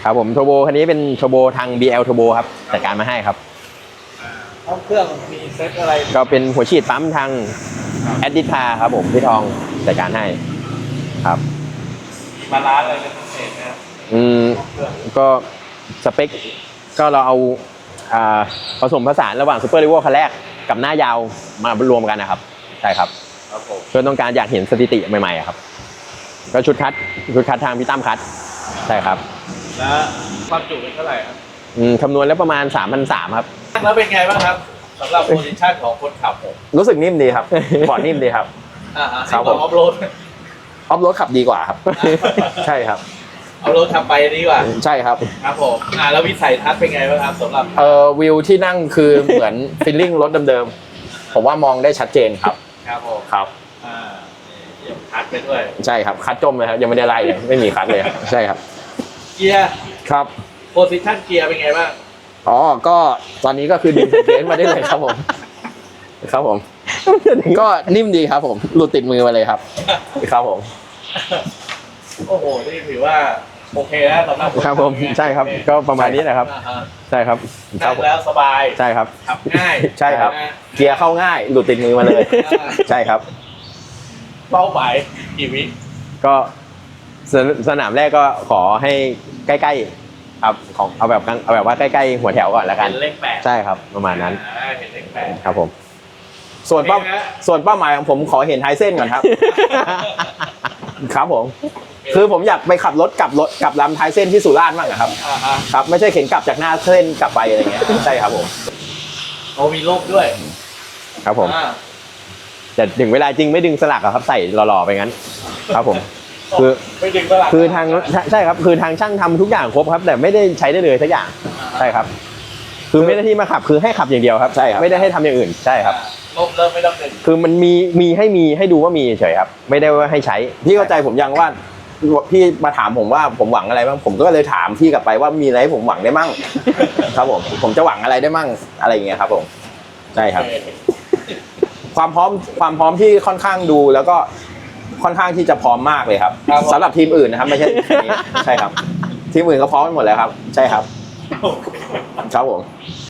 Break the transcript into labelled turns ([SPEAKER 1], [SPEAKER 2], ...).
[SPEAKER 1] ครับผมโทโบคันนี้เป็นโทโบทาง BL โทโบครับจัดการมาให้ครับ
[SPEAKER 2] ห้องเครื่องมีเซ็ตอะไร
[SPEAKER 1] ก็เป็นหัวฉีดปั๊มทางแอดดิทาครับผมพี่ทองจัดการให้ครับ
[SPEAKER 2] บาลานซ์อะไรเป็นพิเศษนะครับ
[SPEAKER 1] ก็สเปคก็เราเอาผสมผสานระหว่างซูเปอร์ลิเวอร์คันแรกกับหน้ายาวมารวมกันนะครับใช่ครับเพื่อต้องการอยากเห็นสถิติใหม่ๆครับก็ชุดคัดทางพี่ตั้มคัดใช่ครับ
[SPEAKER 2] แล้วความจุเป็นเท่าไหร่ครับ
[SPEAKER 1] คำนวณแล้วประมาณ 3,300 ครับ
[SPEAKER 2] แล้วเป็นไงบ้างครับสำหรับโพซิชั่นของคนขับผม
[SPEAKER 3] รู้สึกนิ่มดีครับบอร์ดนิ่มดีครับ
[SPEAKER 2] ครับผมออฟโรด
[SPEAKER 3] ขับดีกว่าครับใช่ครับ
[SPEAKER 2] ออฟโรดขับไปดีกว่า
[SPEAKER 3] ใช่ครับ
[SPEAKER 2] ครับผมแล้ววิสัยทัศน์เป็นไงบ้างครับสำหรับ
[SPEAKER 3] วิวที่นั่งคือเหมือนฟีลลิ่งรถเดิมๆผมว่ามองได้ชัดเจนครับ
[SPEAKER 2] ครับผม
[SPEAKER 3] ครับ
[SPEAKER 2] คัดไปด้วย
[SPEAKER 3] ใช่ครับคัดจมเลยครับยังไม่ได้ไล่เลยไม่มีคัดเลยใช่ครับ
[SPEAKER 2] เกียร์
[SPEAKER 3] ครับ
[SPEAKER 2] โพซิชั่นเกียร์เป็นไงบ้าง
[SPEAKER 3] ก็ตอนนี้ก็คือดึงเบรกมาได้เลยครับผมครับผมก็นิ่มดีครับผมหลุดติดมือมาเลยครับครับผม
[SPEAKER 2] โอ้โหนี่ถือว่าโอเคแล้วสำหรับ
[SPEAKER 1] ครับผมใช่ครับก็ประมาณนี้แหละครับใช่ครับ
[SPEAKER 2] นั่งแล้วสบาย
[SPEAKER 1] ใช่ครับ
[SPEAKER 2] ขับง่าย
[SPEAKER 3] ใช่ครับเกียร์เข้าง่ายหลุดติดมือมาเลยใช่ครับ
[SPEAKER 2] เป้าหมายกี่วิ
[SPEAKER 1] ก็สนามแรกก็ขอให้ใกล้ๆครับของเอาแบบว่าใกล้ๆหัวแถวก่อนแล้วกัน
[SPEAKER 2] เลข8
[SPEAKER 1] ใช่ครับประมาณนั้น
[SPEAKER 2] เห็นเลข8
[SPEAKER 1] ครับผม
[SPEAKER 3] ส่วนเป้าหมายของผมขอเห็นไฮเส้นก่อนครับครับผมคือผมอยากไปขับรถกลับลำท้ายเส้นที่สุราษฎร์บ้างครับครับไม่ใช่เข็นกลับจากหน้าเส้นกลับไปอะไรเงี้ยใช่ครับผม
[SPEAKER 2] มีโลกด้วย
[SPEAKER 1] ครับผมแต่ถึงเวลาจริงไม่ดึงสลักครับใส่หล่อๆไปงั้นครับผมคือทางใช่ครับคือทางช่างทำทุกอย่างครบครับแต่ไม่ได้ใช้ได้เลยสักอย่างใช่ครับคือไม่ได้ที่มาขับคือให้ขับอย่างเดียวครับใช่ครับไม่ได้ให้ทำอย่างอื่นใช่ครับ
[SPEAKER 2] เริ่มไม่ต้องดึง
[SPEAKER 1] คือมันมีให้ดูว่ามีเฉยครับไม่ได้ว่าให้ใช้
[SPEAKER 3] พี่เข้าใจผมยังว่าพี่มาถามผมว่าผมหวังอะไรบ้างผมก็เลยถามพี่กลับไปว่ามีอะไรให้ผมหวังได้มั่งครับผมจะหวังอะไรได้มั่งอะไรอย่างเงี้ยครับผมใช่ครับความพร้อมที่ค่อนข้างดูแล้วก็ค่อนข้างที่จะพร้อมมากเลยครับสำหรับทีมอื่นนะครับไม่ใช่ใช่ครับทีมอื่นก็พร้อมหมดแล้วครับใช่ครับครับผม